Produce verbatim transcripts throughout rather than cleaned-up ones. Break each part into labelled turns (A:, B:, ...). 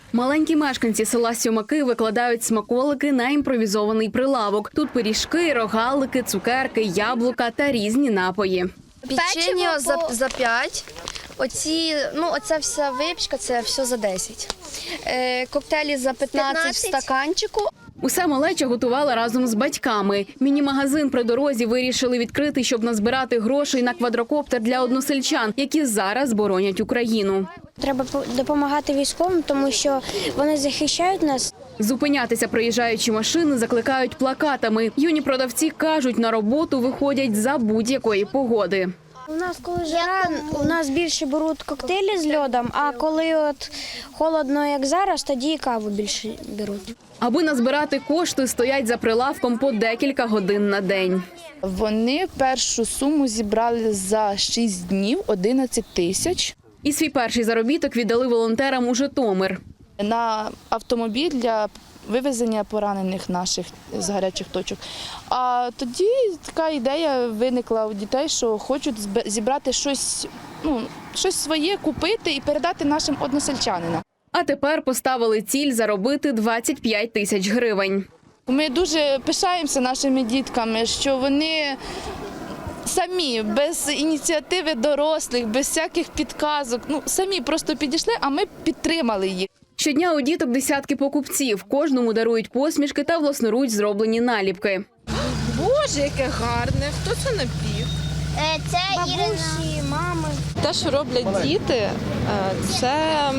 A: Маленькі мешканці села Сьомаки викладають смаколики на імпровізований прилавок. Тут пиріжки, рогалики, цукерки, яблука та різні напої.
B: Печення за, за п'ять. Оці, ну, оця вся випічка, це все за десять. Е, коктейлі за п'ятнадцять в стаканчику.
A: Усе малеча готувала разом з батьками. Міні-магазин при дорозі вирішили відкрити, щоб назбирати грошей на квадрокоптер для односельчан, які зараз боронять Україну.
C: Треба допомагати військовим, тому що вони захищають нас.
A: Зупинятися проїжджаючі машини закликають плакатами. Юні продавці кажуть, на роботу виходять за будь-якої погоди.
C: У нас, коли жара, у нас більше беруть коктейлі з льодом, а коли от холодно, як зараз, тоді і каву більше беруть.
A: Аби назбирати кошти, стоять за прилавком по декілька годин на день.
D: Вони першу суму зібрали за шість днів – одинадцять тисяч.
A: І свій перший заробіток віддали волонтерам у Житомир.
D: На автомобіль для вивезення поранених наших з гарячих точок. А тоді така ідея виникла у дітей, що хочуть зібрати щось, ну, щось своє, купити і передати нашим односельчанинам.
A: А тепер поставили ціль заробити двадцять п'ять тисяч гривень.
D: Ми дуже пишаємося нашими дітками, що вони самі, без ініціативи дорослих, без всяких підказок, ну, самі просто підійшли, а ми підтримали їх.
A: Щодня у діток десятки покупців. Кожному дарують посмішки та власноруч зроблені наліпки.
E: Боже, яке гарне! Хто це напів?
C: Це бабусі, мами.
E: Те, що роблять діти, е, це,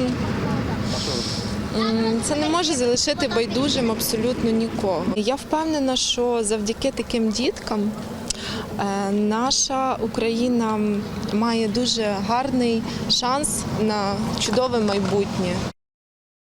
E: м, це не може залишити байдужим абсолютно нікого. Я впевнена, що завдяки таким діткам е, наша Україна має дуже гарний шанс на чудове майбутнє.